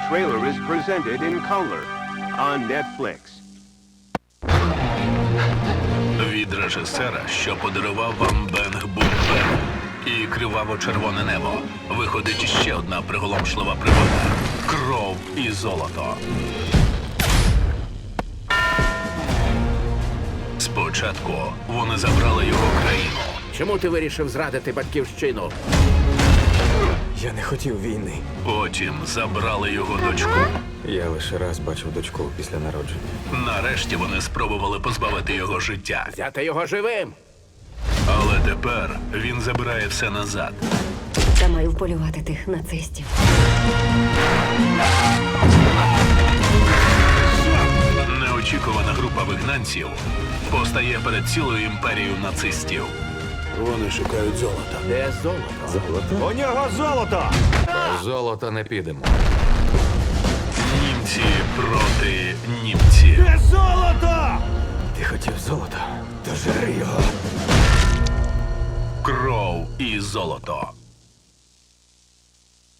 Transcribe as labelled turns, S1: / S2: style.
S1: trailer is presented in color on Netflix.
S2: Від режисера, що подарував вам Бенг Бум-Бенг і криваво-червоне небо, виходить ще одна приголомшлива пригода – кров і золото. Спочатку вони забрали його країну.
S3: Чому ти вирішив зрадити батьківщину?
S4: Я не хотів війни.
S2: Потім забрали його дочку.
S4: Я лише раз бачив дочку після народження.
S2: Нарешті вони спробували позбавити його життя.
S3: Взяти його живим.
S2: Але тепер він забирає все назад.
S5: Я маю вполювати тих нацистів.
S2: Неочікувана група вигнанців постає перед цілою імперією нацистів.
S3: Вони шукають золото. Де золото?
S4: Золото?
S1: У нього золото!
S4: Золото не підемо.
S2: Німці проти німців.
S1: Де золото?
S4: Ти хотів золото? То жри його.
S2: Кров і золото.